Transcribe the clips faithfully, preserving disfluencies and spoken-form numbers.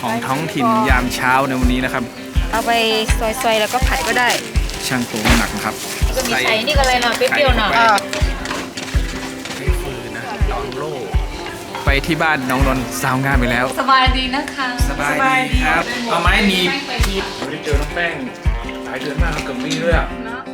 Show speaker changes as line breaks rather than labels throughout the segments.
ของท้องถิ่นยามเช้าในวันนี้นะครับ
เอาไปซอยๆแล้วก็ผัดก็ได้
ช่างตัวหนักนะครับ
ก็มีไข่นี่ก็อะไรหน่อยเปรี้ยวๆหน่อย
ฟืนนะน้องโลไปที่บ้านน้องนนท์สาวงานไปแล้ว
สบายดีนะคะ
สบายดีครับเอาไม้หนีบไม่ได้เจอน้องแป้งหลายเดือนมากเกือบปีด้วยอ่ะ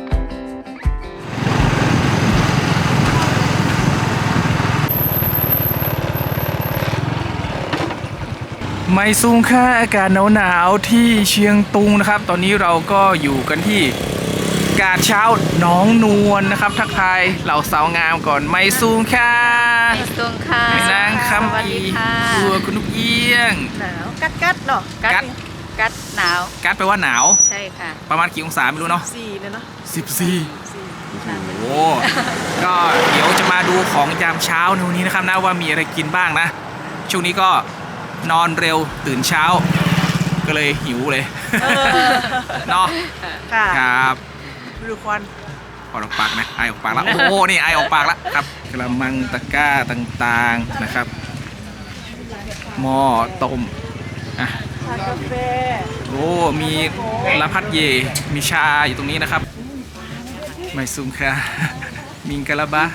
ไม่สูงค่าอากาศหนาวๆที่เชียงตุงนะครับตอนนี้เราก็อยู่กันที่กาดเช้าหนองนวลนะครับทักทายเหล่าสาวงามก่อนไม่สูงค่า
ไม่สูงค่ะ
ไม่นางคำอีตัวคุณนุกเอี้ยง
หนาวกัดกัดเนาะกัดกัดหนาว
กัดแปลว่าหนาว
ใช่ค่ะ
ประมาณกี่องศาไม่รู้เนาะ
สี่เลยเนาะ
สิบสี่โอ้ก็เดี๋ยวจะมาดูของยามเช้าในวันนี้นะครับนะว่ามีอะไรกินบ้างนะช่วงนี้ก็นอนเร็วตื่นเช้าก็เลยหิวเลยเนาะครับ
ดูควัน
พอออกปากนะไอออกปากแล้วโอ้นี่ไอออกปากแล้วครับกระมังตะกร้าต่างๆนะครับหม้อต้มอ่ะ
กาแฟ
โอ้มีละพัดเยมีชาอยู่ตรงนี้นะครับไม่ซุ่มค่ะมิงกะลาบะ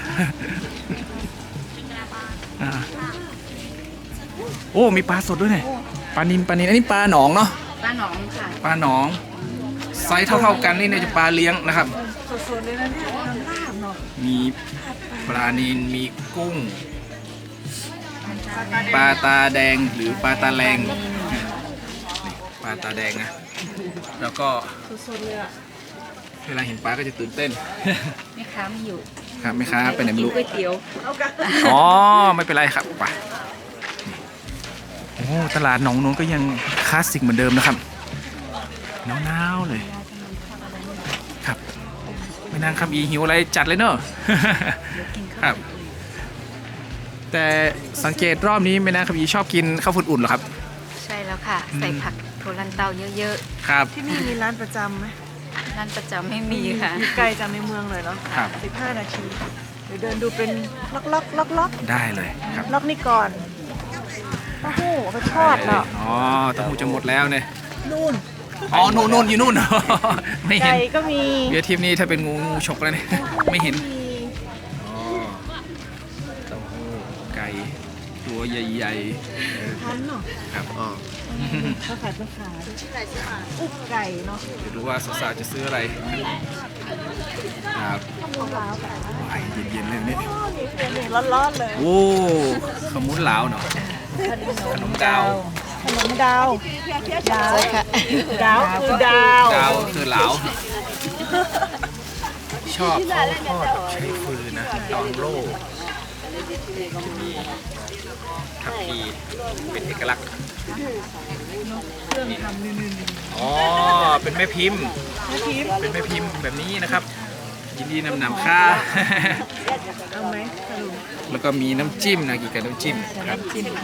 โอ้มีปลาสดด้วยเนี่ยปลานินปลานินอันนี้ปลาหนองเนาะ
ปลาหนองค่ะ
ปลาหนองไซส์เท่าๆกันนี่เนี่ยจะปลาเลี้ยงนะครับ
สดๆเลยนะเนี่ยทำลาบเนาะ
มีปลานินมีกุ้งปลาตาแดงหรือปลาตาแรงปลาตาแดงนะแล้วก็
สดๆเลยอะ
เวลาเห็นปลาก็จะตื่นเต้น
แม่ค้าไม่อยู่
ครับแม่ค้าไปไหนไม่รู้
ก๋วยเตี๋ยว
อ๋อไม่เป็นไรครับไปโอ้ตลาดหนองนนท์ก็ยังคลาสสิกเหมือนเดิมนะครับหนาวๆเลยครับไม่นางคำอีหิวอะไรจัดเลยเนอะครับแต่สังเกตรอบนี้ไม่นางคำอีชอบกินข้าวฝุ่นอุ่นเหรอครับ
ใช่แล้วค่ะใส่ผักโทลันเตาเยอะ
ๆครับ
ที่นี่มีร้านประจำไหม
ร้านประจำไม่มีค่ะ
อยู่ไกลจากในเมืองเลยเนาะ
ครับ
สิบห้านาทีเดี๋ยวเดินดูเป็นล็อกล็อกล็อกล็อก
ได้เลยครับ
ล็อกนี่ก่อนเต้าหู้ไปทอดเนาะ
อ๋อเต้าหู้จะหมดแล้วเนี่ย
นู่น
อ๋อนู่นนู่นอยู่นู่นไม่เห็น
ไก่ก็มี
เดี๋ยวทีมนี้ถ้าเป็นงูงูฉกแล้วเนี่ยไม่เห็นอ๋อเต้าหู้ไก่ตัวใหญ่
ๆพันเนาะ
ครับอ๋อ
ข้าวผัดมะขามอุ๊บไก่เนาะ
จะดูว่าสาวๆจะซื้ออะไรครับเย็นๆเลยนี่
นี่ร้อนๆเลย
โอ้ขมุนเหลาเนาะขนมดาว
ขนมดาวดาว
ค่ะ
ดาวคือดาว
ดาวคือเหลาชอบเขาทอดใช้ฟืนนะดองโล่มีทับพีเป็นเอกลักษณ์
เครื่องทำนึ่ง
อ๋อเป็นแม่พิมพ์เป็นแม่พิมพ์แบบนี้นะครับยินดีนำนำค่า
เอาไหม
แล้วก็มีน้ำจิ้มนะกี่กับน้ำจิ้มครับ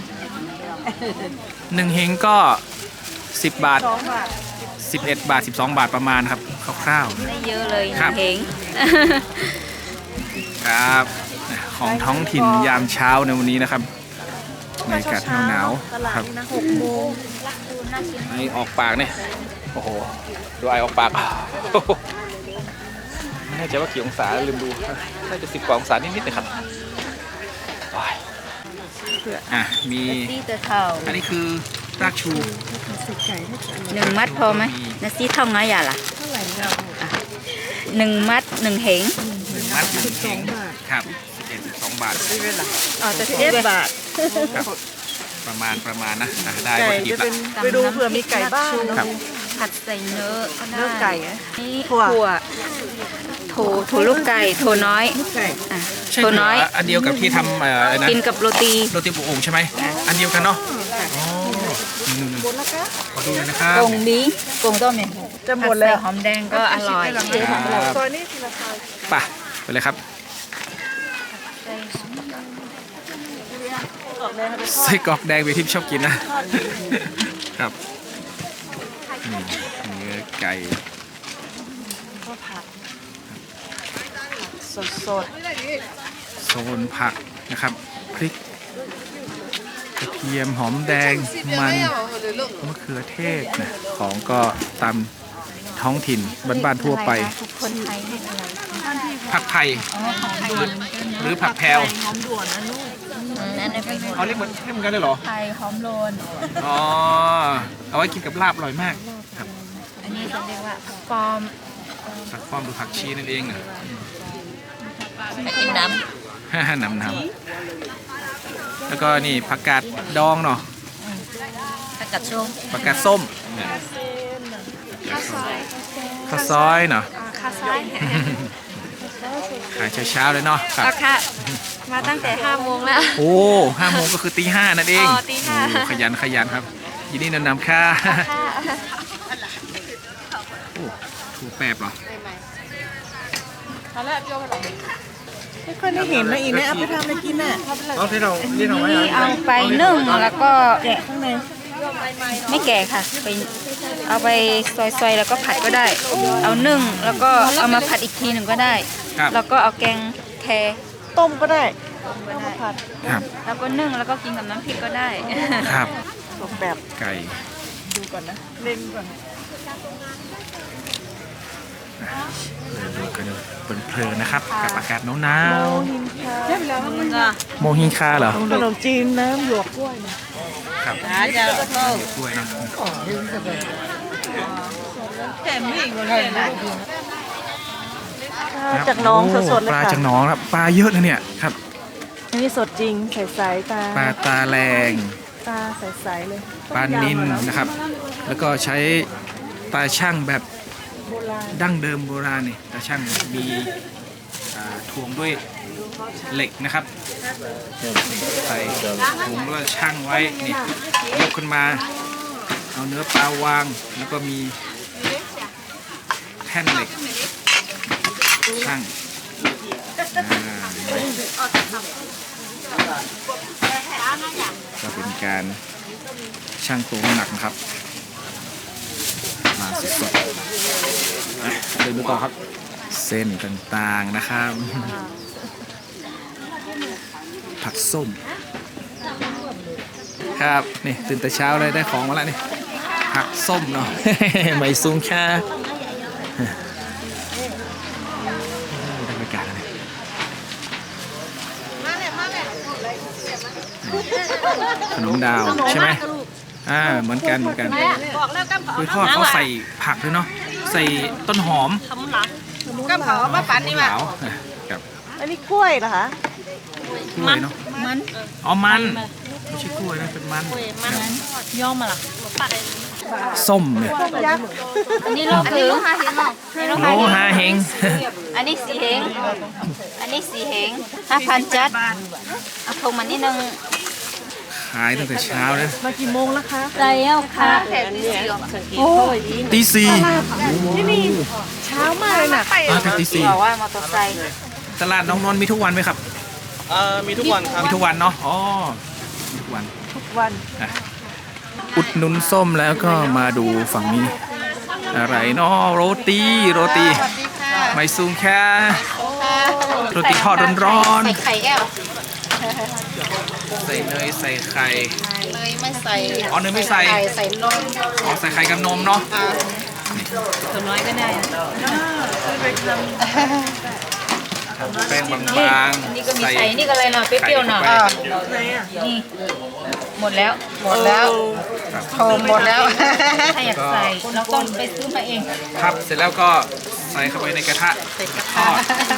หนึ่งเฮงก็สิบบาทสิบเอ็ดบาทสิบสองบาทประมาณครับคร่าว
ๆไม่เยอะเลยเฮง
ครับของท้องถิ่นยามเช้าในวันนี้นะครับในอากาศหนาวๆครับ
หกโมง
ไอออกปากเนี่ยโอ้โหดูไอออกปากไม่แน่ใจว่ากี่องศาลืมดูน่าจะสิบกว่าองศานิดๆนะครับอ่ะมีอันนี้คือรากชู
หนึ่งมัดพอไหมนาซีท่องน้อยอย่าล่ะหนึ่งมัดหนึ่งเหง
หนึ่งมัดหนึ่งเหงครับสิบเอ็ดสิบสองบาท
อ๋อจะสิบเอ็ดบาท
ประมาณประมาณนะได้วัตถุดิบละ
ไปดูเผื่อมีไก่บ้าง
ครับ
ผัดใส่เนื้อ
เนื้อไก่
นี่ถั่วโถโถลูกไก่โถน้อย
โถน้อยอันเดียวกับที่ทำอะไรนะ
กินกับโรตี
โรตีบุกโอ่งใช่ไหมอันเดียวกันเนาะอ๋อขอดูเลยนะครับ
กงนี้กงต้มเนี่ย
จะหมดแล้ว
หอมแดงก็อร่อย
ซอยนี้ทีละซอย
ป่ะไปเลยครับไส้กรอกแดงไปทิพย์ชอบกินนะครับเนื้อไก่
ก็ผักสด
ๆโซนผักนะครับพริกกระเทียมหอมแดงมันมะเขือเทศนะของก็ตามท้องถิ่นบ้านๆทั่วไป
คนไทยเรียกอะไร
ผักไผ่
อ๋อของไทย
หรือผักแพรว
หอมด่วนนะลูก
นั่นเป็น
เขาเรียกเหมือนเรียกเหมือนกันเลยเหรอ
ไทยหอมโลน
อ๋อเอาไว้กินกับลาบอร่อยมากครับ
อันนี้จะเรียกว่าผักปลอม
ผักป้อมหรือผักชีนั่นเองนะ
ไปกินน้
น้ำน้ำแล้วก็นี่ผักกาดดองเนาะ
ำผักกาดส้ม
ผักกาดส้มข้าวซอยเนาะ
ข้าวซ้าย
ขายเช้าๆเลยเนาะครับ
ราคามาตั้งแต่ห้าโมงแล้ว
โอ้ห้าโมงก็คือตีห้านั่นเอง
อ๋อตีห้า
โอ้ขยันขยันครับ ยินดีนำนำค่าโอ้ถูกแปบเหรอ
ไม่ค่อยได้เห็นนะอีเนี่ยเอาไปทำอะไรกินน่ะ
เอาที่เราที่เราไว้
นี่เอาไปนึ่งแล้วก็
แกะข้างใน
ไม่แก่ค่ะไปเอาไปซอยๆแล้วก็ผัดก็ได้ เอานึ่งแล้วก็เอามาผัดอีกทีหนึ่งก็ได้
ครับ
แล้วก็เอาแกงแคร
ต้มก็ได้
ก็ได้
ผัด
ครับ
แล้วก็นึ่งแล้วก็กินกับน้ำพริกก็ได้
ครับ
สมแบบ
ไก่
ดูก่อนนะเล่นก่อน
เลยดูกันเพลินๆนะครับกับอากาศหนาว
โมหินคาเรียบร้อยมัน
ๆโมฮิงคาเหรอ
ขนมจีนน้ำหยวกกล้วยนะครับ
เดี๋ยวกล้วยเนาะ
แต่ไม่อีกเลยนะจากหน้องสดๆเลย
ปลา
ค่ะ
จากหนองครับปลาเยอะนะเนี่ยครับ
อันนี้สดจริงใสๆตา
ปลาตาแรง
ตาใสๆเลย
ปลานิลนะครับ แล้วก็ใช้ตาช่างแบบ
โบราณ
ดั้งเดิมโบราณนี่ตาช่างมีอ่าถ่วงด้วยเหล็กนะครับใส่ถุงแล้วช่างไว้นี่ยกขึ้นมาเอาเนื้อปลาวางแล้วก็มีแท่นเหล็กช่างอ่าก็เป็นการช่างตัวน้ำหนักนะครับมาสดๆอ่ะเดินดูต่อครับเส้นต่างๆนะครับ ผักส้มครับนี่ตื่นแต่เช้าเลยได้ของมาแล้วนี่ผักส้มเนาะ ไม่ซุงแค่บรรยากาศอะไรขนมดาวใช่ไหมอ่าเหมือนกันเหมือนกันคือทอดเขาใส่ผักด้วยเนาะใส่ต้นหอม
ก็เผามาปั่นนี่
ข
ว่ะ
าวกับ
อันนี้กล้วยเหรอคะ
กล้วยเนาะ
มัน
อ๋อมันไม่ใช่กล้วยนะเป็นมัน
ย่อมาล่ะ
ส้มเนี่ย
ต้มยักษ์
อันนี้โลคือโลหะเฮงโล
โลหะเฮง
อันนี้สีเฮงอันนี้สีเฮงห้าพันจัดเอาพงมันนิดนึง
ขายตั้งแต่เช้าเลย
มากี่โมงแล้วคะ
ใจเอาค่ะโอ้ย
ตีสี่
นี่มีเช้ามากเลยน่ะ
มาถึงตีสี่
บอกว่ามอเตอร์ไซค์
ตลาดน้องนนท์มีทุกวันไหมครับ
เอ่อมีทุกวันครับ
มีทุกวันเนาะ อ๋อ มีทุกวัน
ทุกวัน
อ่ะอุดหนุนส้มแล้วก็มาดูฝั่งนี้ อะไรเนาะโรตี โรตี ไม่ซูงแค่โรตีทอดร้อน
ใส่ไข่แก้ว
ๆ ใส่เนยใส่ไข่
เลยไม่ใส่
อ๋อเนยไม่ใส่
ใส่นม
อ๋อใส่ไข่กับนมเนาะ
ตัวน้อยก็ได้
แป้งบาง
นี่ก็
ๆ
มี
ใส่
ใส่นี่ก็อะไรเนาะเปรี้ยวๆเนาะ
ไข่เข้าไป
นี่หมดแล้ว
หมดแล้ว
ครับ
โทมหมดแล้ว
ถ้าอยากใส่เราต้องไปซื้อมาเอง
พับเสร็จแล้วก็ใส่เข้าไปในกระทะทอด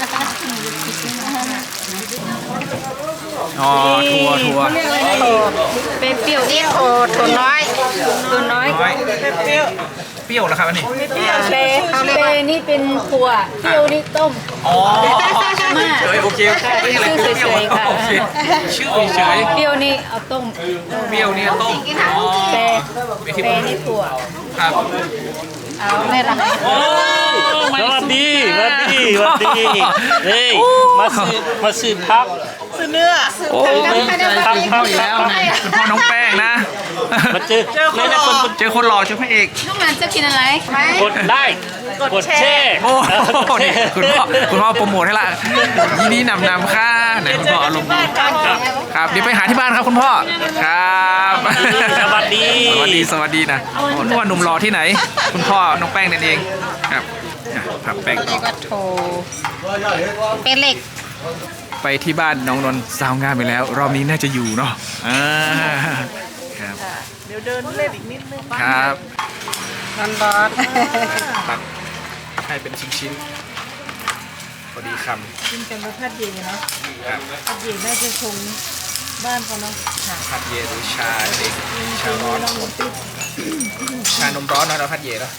อ๋อทัวทัว
เป็นเปรี้ยวนี่โอ้ตัวน้อยตัวน้อย
น้อย
เปรี้ยว
เปรี้ยวแล้วครับอันนี้
เปรี้ยว
เปเปนี่เป็นถั่วเปรี้ยวนี่ต้ม
อ๋อเฉยโอเคไม่ใช่อะไรเปรี้ยว
ชื่อเฉยๆค่ะ
โอเคชื่อเฉย
เปรี้ยวนี่เอาต้ม
เปรี้ยวนี่ต้มอ๋อ
เป
เป็นที่
เปนี่ถั่ว
ครับ
เอาแม่ละ
โอ้
สวัสดีสวัสดีสวัสดีเฮ้ยมาซื้อมาซื้อพัก
ซื้อเนื้อ
โอ้
พักเข้าอีกแล้ว
คุณพ่อน้องแป้งนะ
มาเจอเล่นคน
เจอคนหล่อเจอพระเอก
ลูกหลานจะกินอะไร
กดได้กดแช่
โอ้โหนี่คุณพ่อคุณพ่อโปรโมทให้ละยินดีนำนำค่ะไหนคุณพ่ออารมณ์ดีครับเดี๋ยวไปหาที่บ้านครับคุณพ่อครับ
สวัสดี
สวัสดีสวัสดีนะโอ้นึกว่าหนุ่มหล่อที่ไหน คุณพ่อน้องแป้งนั่นเองครับอ่ะครับแป้งต่อ
ก็โทรเป็นเหล็ก
ไปที่บ้านน้องนนท์สาวงามไปแล้ว รอบนี้น่าจะอยู่เนาะอ่าครับ
เดี๋ยวเดินเล่นอีกนิดนึง
ครับ
ร้อนร้อน
ตัดให้เป็นชิ้นๆพอดีคำ
กินกันมาพัดเย็นเนาะ
ครับ
พัดเย็นน่าจะคงบ้านเขาเนาะค่ะ
พัดเยหรือชาเด็กชาร้อนชานมร้อนเนาะเราพัดเยเนาะ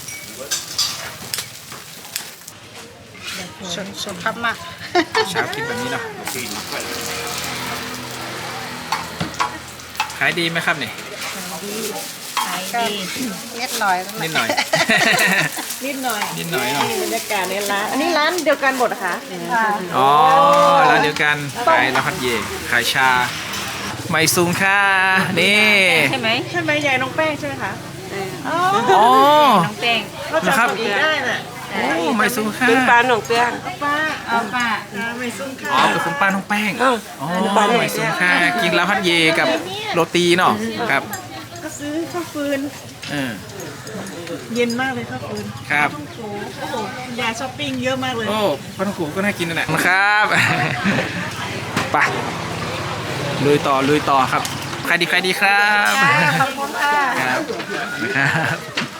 ชนชนพับมาก
เช้ากินแบบนี้เนาะขายดีไหมครับนี่
ขายดีเล็ดลอย
นิดหน่อย
นิดหน่อย
นิดหน่อยเนาะ
บรรยากาศในร้านอันนี้ร้านเดียวกันหมดเหรอคะ
อ๋อร้านเดียวกันขายเราพัดเยขายชาไม่สูงค่ะนี่
ใช่ไหม
ใช่ไหมยายน้องแป้งใช่ไหมคะอ๋อ
อ๋อ
น้องแป้ง
เขาจำตัวเองได้น่ะ
โอ้ไม่สูงค่ะ
เป็นปลาหนองเปียงป้า
เอาป้า
อ่าไม่ซุ้มค่ะ
อ๋อเป็นคุณป้าน้องแป้งอ๋อไม่สูงค่ะกินแล้วพัดเยกับโรตีเนาะครับ
ก็ซื้อข้าวฟืน
เออ
เย็นมากเลยข้าวฟืน
ครับ
โอ้โหโอ้โหยายช้อปปิ้งเยอะมากเลย
โอ้ปลาท่องโกก็น่ากินนั่นแหละครับไปลุยต่อลุยต่อครับใครดีใครดีครับ
ขอบคุณค่ะ
ครับนะครับ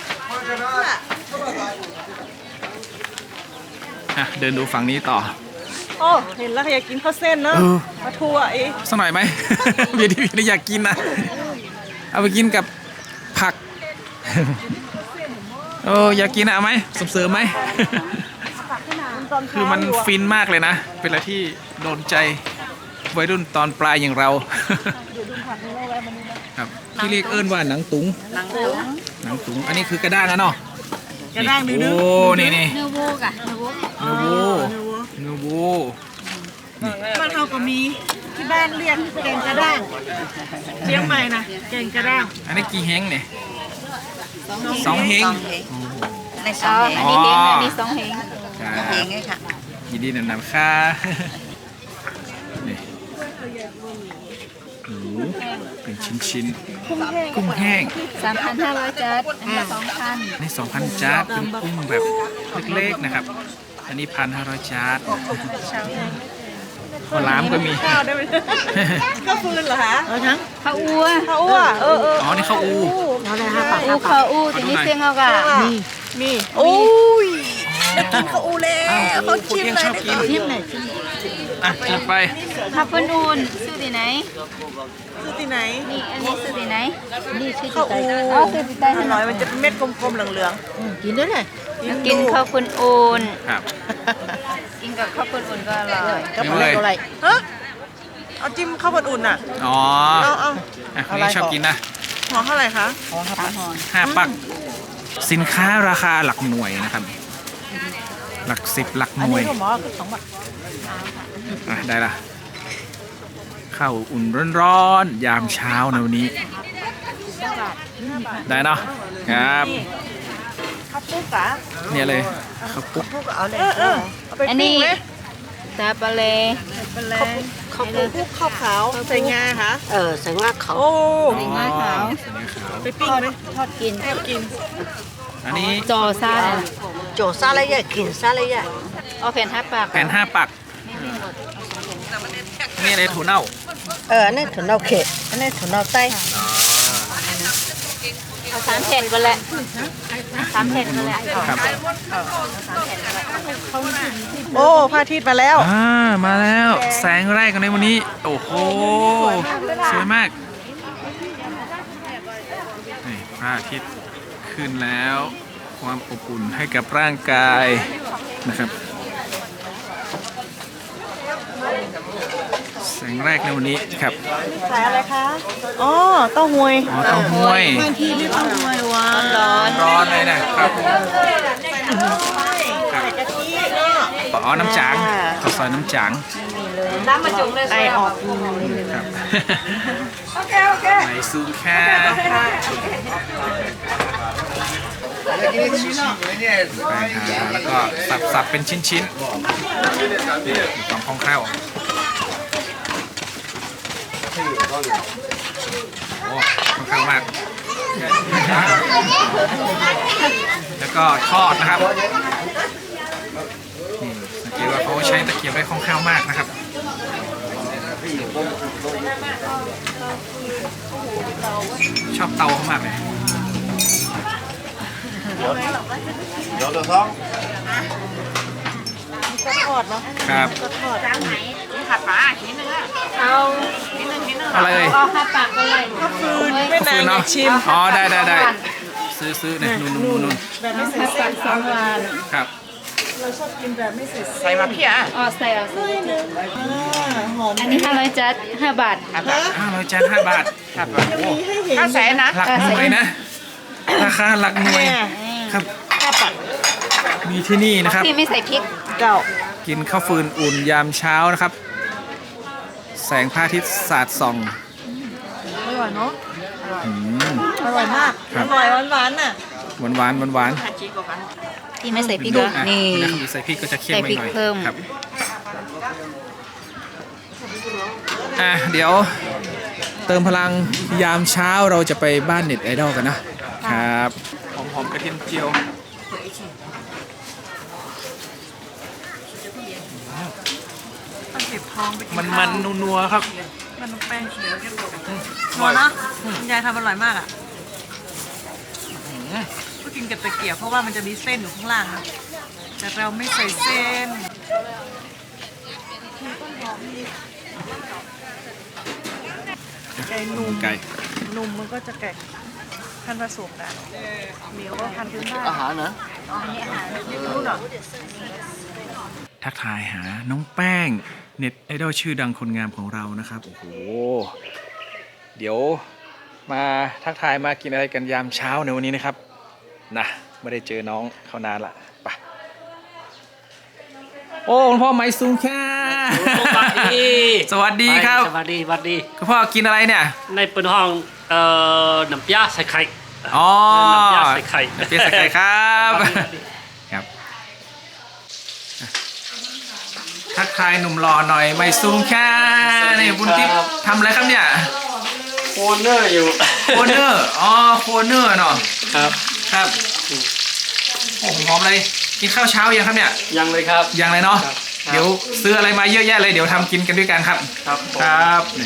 อ่ะเดินดูฝั่งนี้ต่อ
โอ้เห็นแล้วอยากกินข้าวเส้นเนอะ
เออ
มาทัวร์เอง
สักหน่อยไหม เบียร์ที่เบียร์อยากกินนะเอาไปกินกับผักเอออยากกินอะเอาไหมเสริมๆไหม
ตอน
คือ
เช้า
มัน
อยู่อะ
ฟินมากเลยนะ เป็นอะไรที่โดนใจวัยรุ่นตอนปลายอย่างเรา ครับที่เรียกเอิ้นว่าหนังตุง
หนังตุ๋ง
หนังตุง อันนี้คือกระด้างนะเนาะ
กระด้างดื้อ
โอ้ นี่นี่
เนื้อวูกอะเนื้อวูก
เนื้อโวเนื้อโว
บ้านเราก็มีที่บ้านเรียกแกงกระด้างเชียงใหม่นะแกงกระด้าง
อันนี้กี่เฮงเนี่ย สองเฮง
ในสองเฮงอันนี้เฮงอันนี้สองเฮง
ครับ
เฮงไงค่ะ
ยินดีนำนำค่ะนี่หมูเป็นชิ้นๆ
กุ้งแห้ง
กุ้งแห้ง
สามพันห้าร้อยจัดอันนี้สองพัน
นี่สองพันจาร์ดเป็นกุ้งแบบเล็กๆนะครับ อันนี้พันห้าร้อยจาร์ดข้าวหลามก็มี
ข้าวได้ไหมข้าวฟืนเหรอคะเอาทั้ง
ข้าวอูอะ
ข้าวอ้วเออเออ
อ๋อ นี่ข้าวอู
เอาเลยห้าปาก
อูข้าวอูทีนี้เสียงเอากะ
มีมีโอ้ยได้กินข้าวอูแล้ว
อ้าว
เขาชิม
คุณเอี้ยง
เลย
ชอบกิน
ชิมเลย
อ่ะจัดไป
ข้าวปุ้นอูนซื้อที่ไหน
ซื้อที่ไหน
นี่อันนี้ซื้อที่ไหนนี่ซื้อ
ข้าวอู
อ๋อซื้อที่ใต้
อ
ถน
ร่อย
น
มันจะเป็นเม็ดกลมๆเหลืองๆกินได้เลย
กินข้าวปุ้นอูน
ครับ
กินกับข้าวปุ้นอูนก็อร่อย
ไม่เลย
ฮะเอาจิ้มข้าวผัดอุ่นน่ะ
อ๋อ
เอาเอา
อ่ะคนนี้ชอบกินนะ
หัวเท่าไหร่คะ
ห้าปัก สินค้าราคาหลักหน่วยนะครับ หลักสิบหลักห
อัน
น่วย
นี้ก็หมอคือสองบาท
อ่ะได้ละข้าวอุ่นร้อนๆยามเช้าในวันนี้ ได้เนาะครับ
ข้าวปุ๊กอะ
เนี่ยเลยข้าวปุ๊ก
ปุ๊กเอาเลยเออเออเอาไป
อัน
ปิ้
นี้
งไหม
ตาปลาเล
เป็นไรข้าวปุ๊กข้าวขาวใส่งาค่ะ
เออใส่ว่าเขา
โอ้
สีงาขาว
สีงาขาว
ไปปิ้งไหม
ทอดกิน
แอบกิน
อันนี้
จอซ่าเลยนะ
โจซาเลยะกินซาเลยะ
เอาแผ่นห้าปาก
แผ่นห้าปักนี่อะไรถั่วเน่า
เอออันนี้ถั่วเน่าเขะอันนี้ถั่วเน่าไต้
เอาสามแผ่นก็แหละสามแผ่นก็แหละ
ครับ
โอ้พระอาทิตย์มาแล้ว
อ่ามาแล้วแสงแรกกันในวันนี้ โอ้โหสวยมากนี่พระอาทิตย์ขึ้นแล้ว ความอบอุ่นให้กับร่างกายนะครับ แสงแรกในวันนี้ครับ
ขายอะไรคะ อ๋อเต้าหวย
อ๋อเต้าห้วย
บางทีนี่เต้าหวยว้า
ร้อน
ร้อนเลยนะครับ
ใส่กะทิเนาะ
อ๋อน้ำจางข้าวซอยน้ำจาง
มีเลน้ำมาจุ่มเลย
ไอออก
ครับ
โอเคโอเค
ไหนซูมแค่แป้งค่ะแล้วก็สับสับเป็นชิ้นๆนี่ของคล่องแคล่วโอ้ค่อนข้างมาก แล้วก็ทอดนะครับนี่สังเกตว่าเขาใช้ตะเกียบได้คล่องแคล่วมากนะครับชอบเตาเขามากเลย
有的汤。
ก็ทอดเนาะ
ครับ
ก็ทอด
ผัดปลาชิ้นนึงเอาชิ้นนึงชิ้นนึง
อะไรเอ่ย
เอาผัดปลาก็เลย
ไม่
ข้าว
นา
ฟื
น
น
อ
เนาะ
ยากชิม
อ๋อได้ได้ได้ซื้อซื้อเนี่ยนู่นนู่นนู่นนู่น
แบบไม่ใส่เส้นสองวาน
ครับ
เราชอบกินแบบไม่ใส่เส้น
ใส่มาเพียอ๋อใส่เอาใส่
อ่าหอม
อันนี้ห้าร้อยจัดห้าบาท
ห้าร้อยจานห้าบาทครับ
มีให้เห็น
ห้าแสนนะ
หลักหน่วยนะ ราคาหลักหน่วยครับ
ข้าวปัด
มีที่นี่นะครับ
พี่ไม่ใส่พริก
เก่า
กินข้าวฟืนอุ่นยามเช้านะครับ แสงพระอาทิตย์สาดส่อง
อร่อยเนาะ
อืม
อร่อยมาก
ครั
อบ ร่อยหวานๆน่ะ
หวานหวานหวานหวาน
พี่ไม่ใส่พริก
ดู
เหรอ
อ่ะ
นี่
นะครับใส่พริกก็จะเค็มไปหน่อย
ใส่พริกเพิ่ม
ครับอ่ะเดี๋ยวเติมพลังยามเช้าเราจะไปบ้านเน็ตไอดอลกันนะครับหอมๆกระเทียมเจียวมันมันนัวๆครับ
มันแป้งเขียวนัวเนาะคุณยายทำอร่อยมากอ่ะก็กินกับตะเกียบเพราะว่ามันจะมีเส้นอยู่ข้างล่างนะแต่เราไม่ใส่เส้น ไก่นุ่ม
ไก่
นุ่มมันก็จะไก่พันธุ์ผสมกันเหนียวก็พันธุ์พื้นบ้าน
อาหารนะ
ทักทายหาน้องแป้งเน็ตไอดอลชื่อดังคนงามของเรานะครับโอ้โหเดี๋ยวมาทักทายมากินอะไรกันยามเช้าในวันนี้นะครับนะไม่ได้เจอน้องเขานานละไปโอ้คุณพ่อไม้สูงแค่
สวัสดี
สวัสดีครับ
สวัสดีสวัสดี
คุณพ่อกินอะไรเนี่ย
ในเปิดห้องเอ่อน้ำยาใส่ไข่
อ๋อ
น้ำยาใส่ไข่
น้ำยาใส่ไข่ครับครับทักทายหนุ่มหล่อหน่อยไม้สูงแค่นี่บุญทิพย์ทำอะไรครับเนี่ย
โคเนอร์อยู่
โคเนอร์ อ๋อ โคเนอร์เนาะ
ครับ
ครับ โอ้ผมหอมเลย กินข้าวเช้ายังครับเนี่ย
ยังเลยครับ
ยังเลยเนาะ
ครับ
เดี๋ยวซื้ออะไรมาเยอะแยะเลย เดี๋ยวทำกินกันด้วยกันครับ
ครับผม
ครับนี่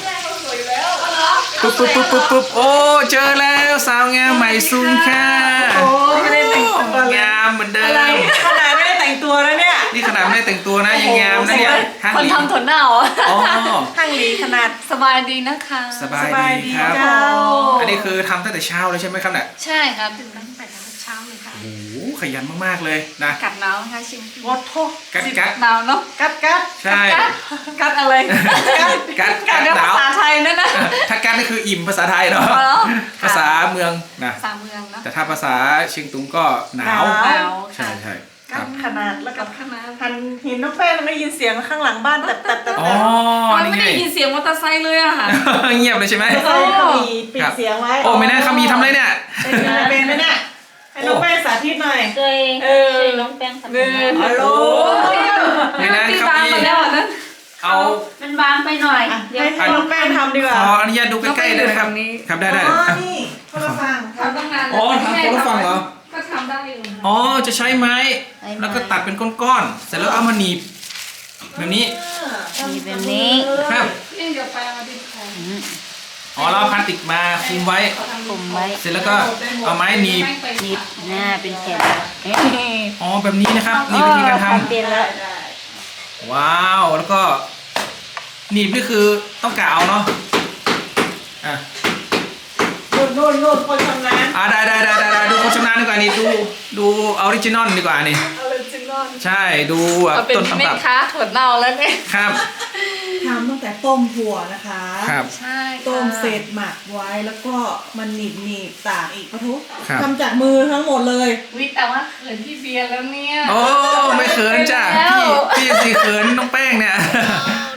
ปุ๊บปุ๊บปุ๊บปุ๊บปุ๊บโอ้ เจอแล้วสาวงามใหม่ซุงค่ะโอ้งามเหมือนเดิม
ขนาดไม่ได้แต่งตัวแล้วเนี่ย
นี่ขนาดไม่ได้แต่งตัวนะยังงามนะเนี่ยห้าง
คน
หลี
ทำถั่วเน่าอ่ะ
อ๋อ
ข้างหลีขนาด
สบายดีนะคะ
สบายดีครับ
เจ้า
อันนี้คือทำตั้งแต่เช้าเลยใช่ไหมครับเนี่ย
ใช่ครับตื่นตั้งแต่เช้าเลยค่ะ
โอ้โหขยันมากๆเลยนะ
กัดหนาวนะคะชิม
วอทโท
กัดกัด
หนาวเนาะ
กัดกัด
ใช่
กัดอะไร
กัดกัด
กัดเรื่อง
หนา
ภาว ษาไทยนั่นนะ
ถ้ากัดนี่คืออิ่มภาษาไทยเนาะ
อ๋อ
ภาษาเมืองนะ
ภาษาเมืองเนาะ
แต่ถ้าภาษาเชียงตุงก็หนาว
หนาว
ใช่ใช่ค
กั
รั
ด
บ
ขนาดแล้วกับ
ขนาด
หันเห็นน้องแป้งแล้วได้ยินเสียงข้างหลังบ้านแต่แต่แต่
อ๋อ
เรา
นี่
ไม่
ไง
ได้ยินเสียงมอเตอร์ไซค์เลยอะค่ะ
เงียบเลยใช่ไหม
ใช่เขามีปิดเสียงไว้
โอ้ไม่น่าเขามีทำอะไรเนี่ย
เป็นไหมเนี่ยให้น้องแป้งสาธิตหน่อย
เคย
เออ
เคยน้องแป้งทำ
ฮัลโหล
ไม่น่า
ตี
เขา
บาง
มี
ไปแล้วอะนะ
เอา
มันบางไปหน่อย เดี๋ยว
ให้ให้น้องแป้งทำดีกว่า
ขออนุญาตดูใกล้ๆได้ไหมครับ ครับได้ได้
อ๋อ
อ่ะ
นี่โทรศัพท์
ทำตั้งนาน
อ๋อทำคนละฝั่งเหรอ
ก็ทำได้อยู่
อ๋อจะใช้ไม้ แล้วก็ตัดเป็นก้อนๆ เสร็จแล้วเอามาหนีบแบบนี้
มีแบบนี้
ครับ
เดี๋ยวไปเอาดิของ
อ๋อเราเอาพลาสติกมาคุมไว้
กลมไว้
เสร็จแล้วก็เอาไม้หนีบ
หนีบหน้าเป็นแผ่น
อ๋อแบบนี้นะครับนี่วิธีการท
เปลี่ยนแล้ว
ำว้าวแล้วก็หนีบนี่คือต้องกะเอาเนาะอ่ะ
นู่นนู่นนู่นคนชำนาญ
อ่าได้ได้ได้ได้ได้ดูคนชำนาญดีกว่านี่ดูดูออริจินอลดีกว่านี่
เอาเลยจริงนอน
ใช่ดูแบบ
เอาเป็น
ต้น
แม่
ตำรับ
ค้าถั่วเน่าแล้วเนี่ย
ครับ
ทำตั้งแต่ต้มถั่วนะคะ
ครับ
ใช่ค่ะ
ต้มเสร็จหมักไว้แล้วก็มันหนีบหนีบตากอีกปะทุ
ครับ
ทำจากมือทั้งหมดเลย
วิแต่ว่าเขินพี่เบียร์แล้วเนี่ย
โอ้ไม่เขินจ้ะ
แล้ว
พี่พี่สิเขินน้องแป้งเนี่ย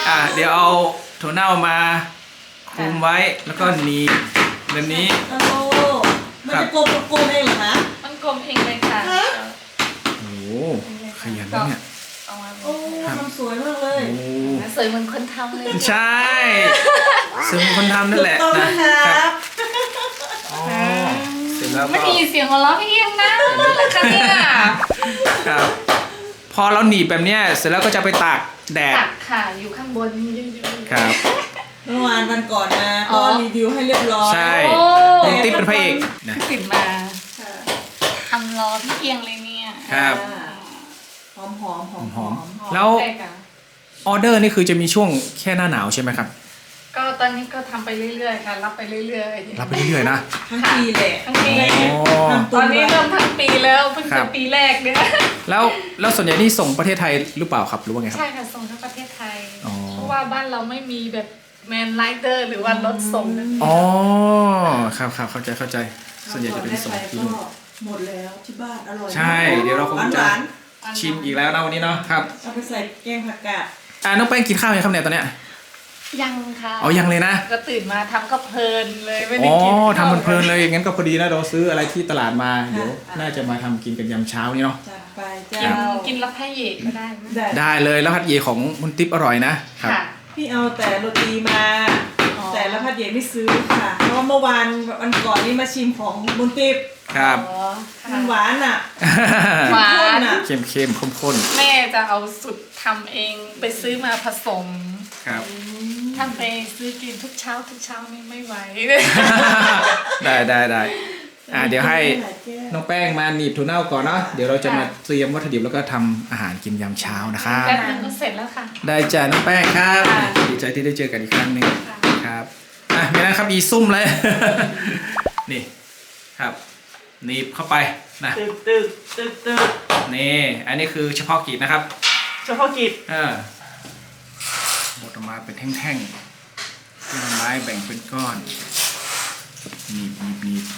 อ่ะเดี๋ยวเอาถั่วเน่ามาคลุมไว้แล้วก็หนีบแบบนี้
โอ้มันจะกลมกลมเองเหรอคะ
มันกลมเองเลยค่ะ
โอ้โหขยันนะเนี่ย
เอามา
โอ้มันสวยมากเลย
โอ้
สวยเหมือนคนทำเลย
ใช่ซึ่งคนทำนั่นแหละ
ถูกต้อง
นะ
นะค
ค
รั
รับบ อ๋อเสร็จแล้ว
ไม่
ก็
ได้ยินเสียงหัวเราะพี่เอียงนะค่ะเนี่ย
ครับ พอเราหนีบแบบเนี้ยเสร็จแล้วก็จะไปตากแดด
ตักค่ะอยู่ข้างบนยืน
ครับ
เมื่อวานวันก่อนมา
อ๋
ก็
อ
รีวิวให้เรียบร้อย
ใช่
โอ้
ลุงติ๊บเป็นพระเอกนะ
ตื่นมาทำรอพี่เอียงเลยเนี่ย
ครับ
หอมหอมหอม
หอมๆแล้วออเดอร์นี่คือจะมีช่วงแค่หน้าหนาวใช่ไหมครับ
ก็ตอนนี้ก็ทำไปเรื่อยๆค่ะรับไปเรื่อยๆ
รับไปเรื่อยๆนะ
ทั้งปีแหละ
ทั้งปี
อ๋อ
ตอนนี้เริ่มทั้งปีแล้วเพิ่ง
ครั
จะ
บ
ปีแรกเนี่ย
แล้วแล้วส่วนใหญ่นี่ส่งประเทศไทยหรือเปล่าครับหรือว่าไงครับ
ใช่ค่ะส่งทั้งประเทศไทย
อ๋อ
เพราะว่าบ้านเราไม่มีแบบแมนไลเดอร์หรือว่ารถส่งนั่นเอง
อ๋อครับครับเข้าใจเข้าใจ ส่วนใหญ่จะเป็นส่งที่นู่น
หมดแล้วที่บ้านอร่อย
ใช่เดี๋ยวเราคงจะ
หวาน
ชิมอีกแล้วนะวันนี้เนาะครับ
ๆเอาไปใส่แกงผักกาด
อ่าน้องแป้งกินข้าวยังครับเนี่ยตอนเนี้ย
ยังค่ะ
อ๋อยังเลยนะ
ก็ตื่นมาทำก็เพลินเลยไม่
อ๋
ได้
อ
กิน
ทำมันเพลินๆเลยงั้นก็พอดีนะเราซื้ออะไรที่ตลาดมาเดี๋ยวน่าจะมาทำกินกันยามเช้านี้เนาะ
จัดไปจ้า
กินกินแล้วแพ้เยกก็ได้ไหม
ได้
ได้เลยแล้วฮัดเยของมุนติ๊บอร่อยนะครับ
ค่ะ
พี่เอาแต่โรตีมา
อ๋อ
แต่ละพัดเย็นไม่ซื้อค่ะ เพราะว่าเมื่อวานวันก่อนนี้มาชิมของบุญติบ
ครับ
อ๋อค่ะ
มันหวานอ่ะ
หวา
ข้น
น
อ่ะ
เค็มเค็มข้นข้น
แม่จะเอาสุดทำเองไปซื้อมาผสม
ๆครับ
ทำไปซื้อกินทุกเช้าทุกเช้านี่ไม่ไหว
ได้ได้ได้อ่าเดี๋ยวให้น้องแป้งมาหนีบถั่วเน่าก่อนเนาะเดี๋ยวเราจะมาเตรียมวัตถุดิบแล้วก็ทำอาหารกินยามเช้านะครับ
แป๊บนึงก็เสร็จแล้วค่ะ
ได้จ้ะน้องแป้งครับ
ค่ะ
ดีใจที่ได้เจอกันอีกครั้งหนึ่งครับอ่ะมีนะครับอีซุ่มเลย นี่ครับหนีบเข้าไปนะ
ตึกตึกตึกตึก
นี่อันนี้คือเฉพาะกิจนะครับ
เฉพาะกิจ
เออบดออกมาเป็นแท่งๆที่ไม้แบ่งเป็นก้อนหนีบหนีบหนีบ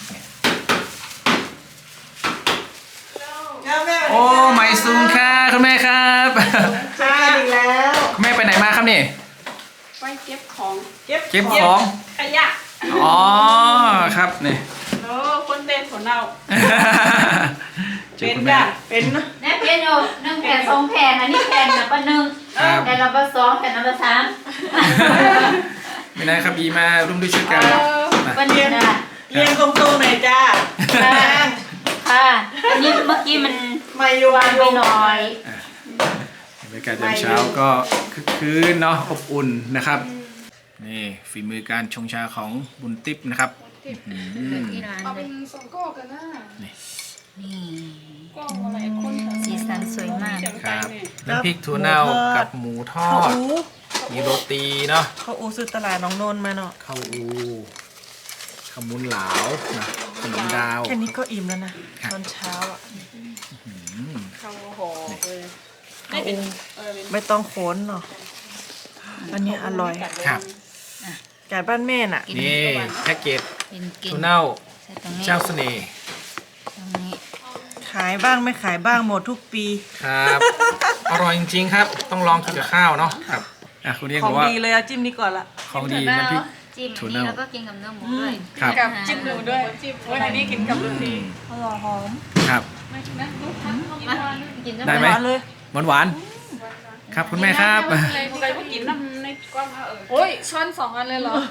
แล้วแม่
โอ้ไม่ซุ่มค่ะคุณแม่ครับ
ใช่อีกแล้ว
คุณแม่ไปไหนมาครับนี่
ไปเก็บของ
เก็บ
เก็บของ
ขยะ
อ๋อครับนี่
โอ้คนเต้นของเรา
เจอ
เป็น
คุณแม่
จ้ะเป็นนะ
แน่เพียนอยู่หนึ่งแผ่นสองแผ่นอันนี้แผ่นละปะหนึ่ง
ครับ
แผ่นละปะสองแผ่นละปะสาม
ไม่ได้ครับอีมาร่วมด้วยช่วยกัน
ปะหนึ่งนะ
เรียงตรงๆหน่อยจ้า
ค่ะอันนี้เมื่อกี้มัน
ไม่อยู่
วางไปหน่อย
บรรยากาศยามเช้าก็คึกคืนเนาะอบอุ่นนะครับ นี่ฝีมือการชงชาของบุญติ๊บนะครับอืม
ที่ร้าน
เอา
เล
เป็
ย
นสองก้อกันนะ
นี่
ก้ออะไรคน
สีสันสวยมาก
ครับน้ำพริกถั่วเน่ากับหมูทอ
ข้าว
ด
อู
มีโรตีเนาะ
ข้าวอูซื้อตลาดน้องนนท์มาเนาะ
ข้าวอูขมุนหลาวนะขนมดาว
แค่นี้ก็อิ่มแล้วนะ
ครับ
ตอนเช้าอ่ะ
ข้าวหอเลย
ข้าวอูไม่ต้องโขนเนาะอันนี้อร่อย
ครับ
ไก่บ้านแม่น่ะ
นี่แพ็กเกจ
กินกิน
ถั่วเน่า
ใส่ตรงนี้
เจ้าเสน่ห์
ตรงนี้
ขายบ้างไม่ขายบ้างหมดทุกปี
ครับ อร่อยจริงๆครับ ต้องลองกินกับข้าวเนาะครับอ่ะคุณเรียก
ของ
บอกว่า
ดีเลยอะจิ้มนี่ก่อนละ
ของดีน้ำพริก
จิ้ม
ถั่ว
อัน
เน่า
นี้แล้วก็กินกับเนื้อหมูด้วย
ครับ
กับจิ้มหมูด้วยจิ้มวันนี้กินกับลูกดี
อร่อยหอม
ครับ
ไม่นะลูกทักเข้ามา
กิน
ได้ไหม
หวานเลย
หวานหวานๆครับคุณแม่ครับ
เลยใครก็กินน้ำในก้อนมาเออโอ้ยช้อนสองอันเลยเหรอ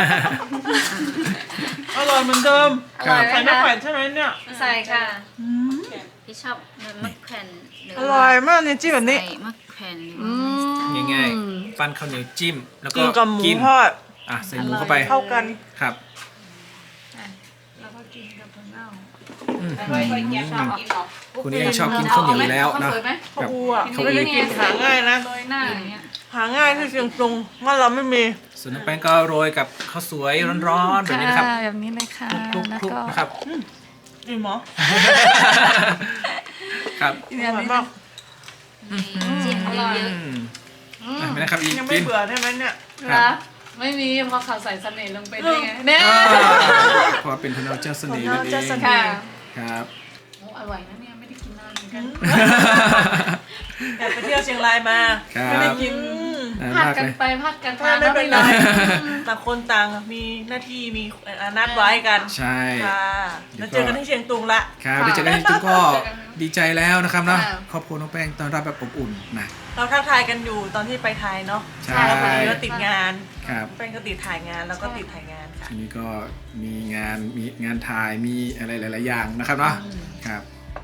อร่อยเหมือนเดิม
อร่อยไหม
ใส่มะ
คะ
แขวนใช่ไหมเนี่ย
ใส่ค่ะพี่ชอบเนื้อมะแขวนห
อร่อยมากเนี่ยจิ้มแบบนี้
ใส่มะแขวนหรือ
อื
ว่าม
ง่ายๆปั้นข้าวเหนียวจิ้ม แล้วก็
กินกับหมู
กิน
ทอด
อ่ะใส่หมูเข้าไป
เข้ากัน
ครับ
แล้วก็กินกับถั่วเน่า
อืม
ไม่ค่อยแกชอบกินหรอก
คุณเองชอบกินข้าวเหนียวอยู่แล้วเนาะ
สวยไหม
ข้าวอูอ่ะ
ข้าว
ไม่
อู
ได้กินหาง่ายนะ
โรยหน้าอย่างเงี้ย
หาง่ายที่เชียงตุงว่าเราไม่มี
ส่วนน้ำแป้งก็โรยกับข้าวสวยร้อนๆแบบนี้นะครับ
แบบนี้เลยค่ะ
คลุก
แล้ว
ๆ
ก็
นะครับ
จริงเหรอ
ครับ
อร่อยมาก
จิ้มเยอะ
อืมอ่ะไม่นะครับอีก
ยังไม่
กิน
เบื่อใช่ไหมเนี่ย
นะไม่มีเพราะเขาใส่เสน่ห์ลงไปด้วยไงเนี่ย
อ่าเพราะว่าเป็นถั่วเน่าเจ้าเสน่ห์นั่นเอ
ถั่วเน่าเจ้าเส
ง
น่ห์
ค่ะ
ครับ
โอ้อร่อยนะเนี่ยไม่ได้กินนานเหมือนกัน
อยากไปเที่ยวเชียงรายมา
ครับ
ไม่ได้กิน
น่า
พลาด
รัก
กัน
เลย
ไปพลาดกัน
ถ้า
มา
ไม่เป็นไร
อะ
ต่างคนต่างมีหน้าที่มีนัดไว้กัน
ใช่
ค่ะแล้วเจอกันที่เชียงตุงละ
ครับได้เจอกันจริงๆก็ดีใจแล้วนะครับเนาะครอบครัวน้องแป้งตอนรับแบบอบอุ่นนะ
เราทักทายกันอยู่ตอนที่ไปไทยเนาะ
ใช่
แล้วพอดีว่าติดงาน
ครับ
แป้งก็ติดถ่ายงานแล้วก็ติดถ่ายงานค่ะ
ทีนี้ก็มีงานมีงานถ่ายมีอะไรหลาย ๆ อย่างนะครับเนาะครับ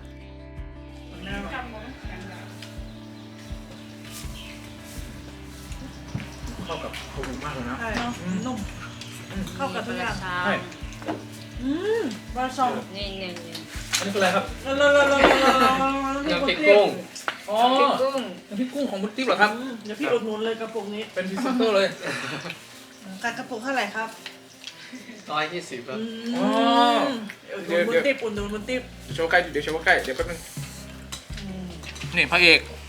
เข้ากับข้าวหมูมากเลยนะ
ใช่เนาะนุ่มเข้ากับทุกอย่าง
ใช่
อืมปลาซอง
นี่นี่นี่
อันนี้คืออะไรครับ
แล้วแล้วแล้วแล้วแล้วแล้ว
น้ำพริกกุ้ง
อ๋อ
กุ้ง
น้ำพริกกุ้งของบุญติ๊บเหรอครับ
เดี๋ยวพี่อุดหนุนเลยกระปุกนี้
เป็นพรีเซนเตอร์เลย
การกระปุกเท่าไหร่ครับ
ร้อยยี่สิบครับ
อ๋อ
อุดห
เดี๋
นุ
ยวน
บุญติบอุดหนุนบุญติบ
โชว์ใกล้เดี๋ยวโชว์ใกล้เดี๋ยวแป๊บนึงนี่พระเอก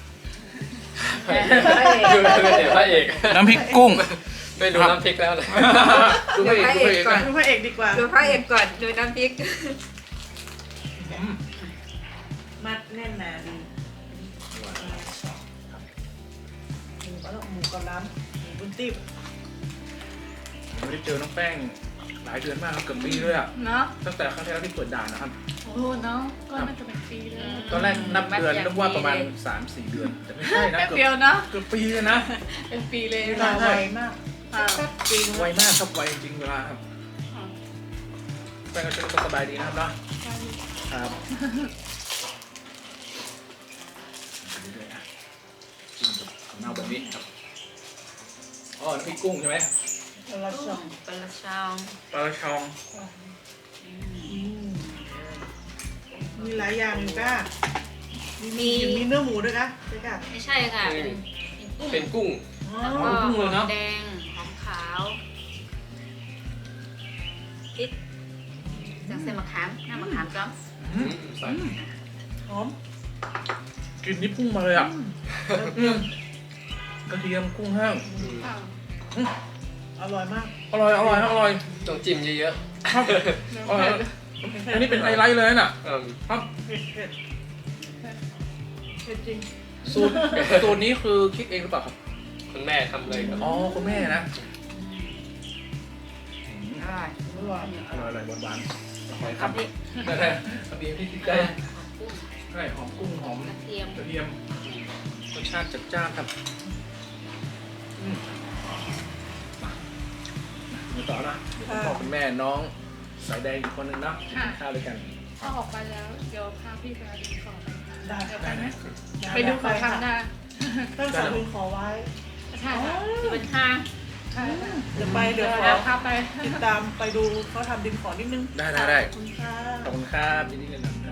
ดูเดี๋ยวพระเอก
น้ำพริกกุ้ง
ไม่รู้น้ำพริกแล้วเลย
ดูพระเอกดูพระเอกก่อน
ดูพระเอกดีกว่า
ดูพระเอกก่อนดูน้ำพริก
มัดแน่นหนาดีหมูก็หมูกับล้ำหมูบุญติบ
ไม่ได้เจอน้องแป้งหลายเดือนมากครับเกือบปีเลยอ่ะ
เนาะ
ตั้งแต่ครั้งที่แล้วที่เปิดด่านนะครับ
โอ้โหเนาะก็น่าจะเป็นปีเลย
ตอนแรกนับเดือนนึกว่าประมาณ สามสี่ เดือน แต่ไม่ใช่นะ
แป๊บ
เกือบ
เดียวเนาะ
เกือบปีเลยนะ
เป็นปีเลย
เวลาไวมาก
ค่ะ
จริง
ไวมากครับไวจริงเวลาครับแป้งก็ช่วยก็สบายดีนะครับเนาะครับกินกับข้าวเน่าแบบนี้ครับอ๋อน้ำพริกกุ้งใช่ไหม
เวลาชม
ปลาชอง
ปลาชอง
มีหลายอย่างอยู่ก้า
มี
มีเนื้อหมูด้วยนะใช่ก้า
ไม่ใช่ค่ะเป็นกุ้ง
เป็นกุ้ง
แล้วก็หอมแดงหอมขาวพริกจากเส้นมะขามน้ำมะขามจ้อม
อืม
ใส่
หอม
กลินนี่พุ่งมาเลยอ่ะอืมกระเทียมกุ้งแห้ง
อร่อยมาก
อร่อยอร่อยอร่อย
ต้องจิ้มเยอะ
ครับอร่อยอันนี้เป็นไฮไลท์เลยน่ะ
ๆเออ
ครับ
เผ็ดเผ็ดเผ็ดจริง
สูตรสูตรนี้คือคิดเองหรือเปล่าครับ
คุณแม่ทำเลยครับ
อ๋อคุณแม่นะ
อร่อย
อร่อย
อร่อยอร่อยหวานๆหอยค
กั
รั
บบ นี่
ได้ได้ทำดีที่ติดใจ
กุ้ง
ใช่หอมกุ้งหอม
กระเทียม
กระเทียมรสชาติจัดจ้านครับอืมมาต่อนะคุณพ่อคุณแม่น้องสายแดงอีกคนนึงเนาะกินข้าวด้วยกัน
ถ้าออกไปแล้วเดี๋ยวพาพี่ไปดูของ
ได้
ได้ไหม
ไปดูของทำหน้า
ตั้งสายบุญขอไว้
ใช่ค่ะ
ที่เป็นห้าง
ใช่ค่ะ
เดี๋ยวไปเดี๋ยวขอ
เดี๋ยวพาไป
ติดตามไปดูเขาทำดินขอนิดนึง
ได้ได้ได้
ขอบคุณค่ะ
ขอบคุณครับยินดีเลยนะ